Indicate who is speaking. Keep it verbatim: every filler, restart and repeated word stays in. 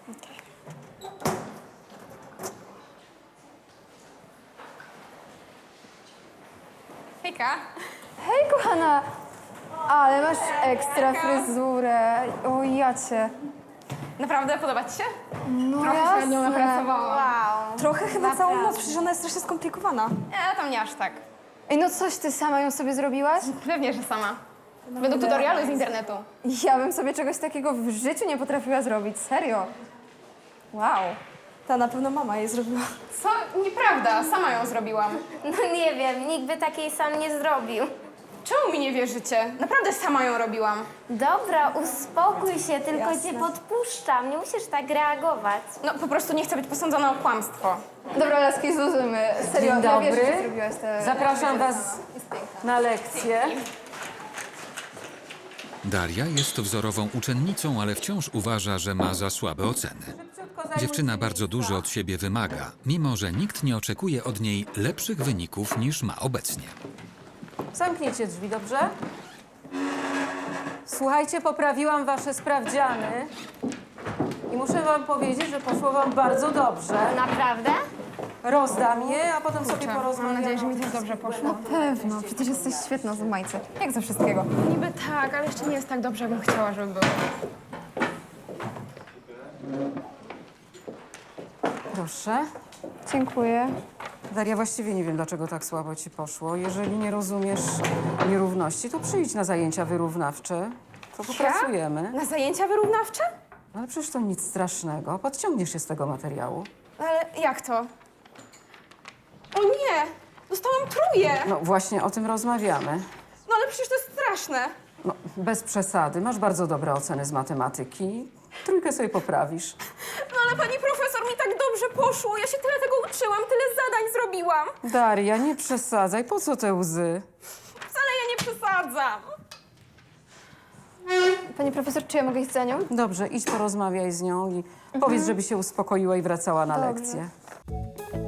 Speaker 1: Hejka.
Speaker 2: Hej, kochana! Ale masz ekstra fryzurę. O, ja cię.
Speaker 1: Naprawdę podoba ci się?
Speaker 2: No
Speaker 1: Trochę się nad nią
Speaker 2: jasne.
Speaker 1: napracowałam.
Speaker 2: Wow.
Speaker 3: Trochę chyba całą noc, przecież ona jest strasznie skomplikowana.
Speaker 1: Nie, tam nie aż tak.
Speaker 2: Ej, no coś ty sama ją sobie zrobiłaś?
Speaker 1: Pewnie, że sama. Według tutorialu z internetu.
Speaker 2: Ja bym sobie czegoś takiego w życiu nie potrafiła zrobić, serio. Wow.
Speaker 3: Ta na pewno mama jej zrobiła.
Speaker 1: Co? Nieprawda, sama ją zrobiłam.
Speaker 4: No nie wiem, nikt by takiej sam nie zrobił.
Speaker 1: Czemu mi nie wierzycie? Naprawdę sama ją robiłam.
Speaker 4: Dobra, uspokój się, tylko cię podpuszczam. Nie musisz tak reagować.
Speaker 1: No po prostu nie chcę być posądzona o kłamstwo.
Speaker 2: Dobra, laski, zluzymy. Serio,
Speaker 5: Dzień
Speaker 2: ja wierzę,
Speaker 5: dobry.
Speaker 2: że zrobiłaś te...
Speaker 5: Zapraszam Was na lekcję.
Speaker 6: Daria jest wzorową uczennicą, ale wciąż uważa, że ma za słabe oceny. Dziewczyna bardzo dużo od siebie wymaga, mimo że nikt nie oczekuje od niej lepszych wyników niż ma obecnie.
Speaker 5: Zamknijcie drzwi, dobrze? Słuchajcie, poprawiłam Wasze sprawdziany i muszę Wam powiedzieć, że poszło Wam bardzo dobrze.
Speaker 4: Naprawdę?
Speaker 5: Rozdam je, a potem sobie
Speaker 1: Mam
Speaker 5: porozmawiamy.
Speaker 1: nadzieję, że mi też dobrze poszło.
Speaker 2: Pewno, przecież jesteś świetna z majce. Jak ze wszystkiego.
Speaker 1: Niby tak, ale jeszcze nie jest tak dobrze, jakbym chciała, żeby było.
Speaker 5: Proszę.
Speaker 2: Dziękuję.
Speaker 5: Daria, właściwie nie wiem, dlaczego tak słabo Ci poszło. Jeżeli nie rozumiesz nierówności, to przyjdź na zajęcia wyrównawcze. To popracujemy.
Speaker 1: Na zajęcia wyrównawcze?
Speaker 5: Ale przecież to nic strasznego. Podciągniesz się z tego materiału.
Speaker 1: Ale jak to? O nie! Dostałam truje!
Speaker 5: No właśnie o tym rozmawiamy.
Speaker 1: No ale przecież to jest straszne.
Speaker 5: No, bez przesady. Masz bardzo dobre oceny z matematyki. Trójkę sobie poprawisz.
Speaker 1: No ale pani profesor, mi tak dobrze poszło. Ja się tyle tego uczyłam, tyle zadań zrobiłam.
Speaker 5: Daria, nie przesadzaj. Po co te łzy?
Speaker 1: Wcale ja nie przesadzam.
Speaker 2: Pani profesor, czy ja mogę iść za nią?
Speaker 5: Dobrze, idź porozmawiaj z nią i powiedz, żeby się uspokoiła i wracała na
Speaker 2: Dobrze.
Speaker 5: lekcję.